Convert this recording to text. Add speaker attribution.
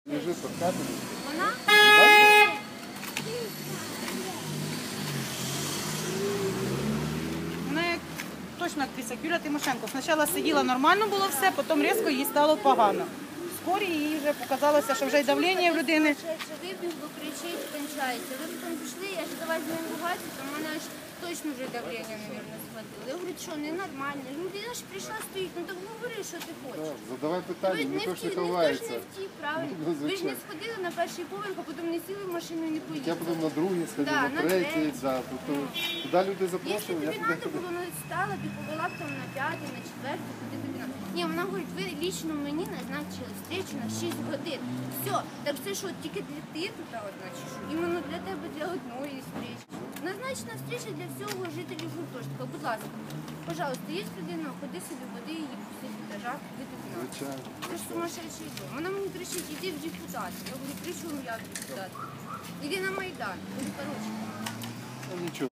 Speaker 1: Лежить під капелем.
Speaker 2: Вона?
Speaker 3: Вона як точно актриса Юлія Тимошенко. Спочатку сиділа нормально було все, потім різко їй стало погано. Вскорі їй вже показалося, що вже й давлення в людини.
Speaker 2: Вибіг, бо кричить, кончається. Ви потім пішли, я ж давай з ним ругатися, то в мене аж точно вже давлення, мабуть, схватило. Я говорю, що ненормально. Людина ж прийшла, стоїть, ну так говори, що ти хочеш.
Speaker 1: Так, задавай питання, ніхто ж не
Speaker 2: Ніхто ж
Speaker 1: ховається.
Speaker 2: не втік, правильно.
Speaker 1: Ну,
Speaker 2: Ви ж не
Speaker 1: звичайно.
Speaker 2: сходили на перший поверх, а потім не сіли в машину і не
Speaker 1: Я
Speaker 2: поїхали.
Speaker 1: потім на другий сходив,
Speaker 2: Да,
Speaker 1: на
Speaker 2: на
Speaker 1: третій,
Speaker 2: третій.
Speaker 1: да. Тобто, куди люди
Speaker 2: Якщо
Speaker 1: запрошували, я
Speaker 2: тобі
Speaker 1: туди
Speaker 2: треба
Speaker 1: ходив.
Speaker 2: було, ну стала, ти повела б там на п'ятий, на четвертий, куди тобі надо. Ні, вона говорить, ви лічно мені назначили встречу на 6 годин. Все, так це що, тільки для ти тут одна чи що? Іменно для тебе, для одної зустрічі. Назначена встреча для всього жителів гуртожитка. Будь ласка, пожалуйста, є людина, ходи собі, води її пусти в етажах, ви тобі надо.
Speaker 1: Звичайно.
Speaker 2: Це ж сумасшедший дом. Вона мені кричить, іди в депутати. Я говорю, при чому я в депутати? Іди на Майдан. Короче.
Speaker 1: Ну, нічого.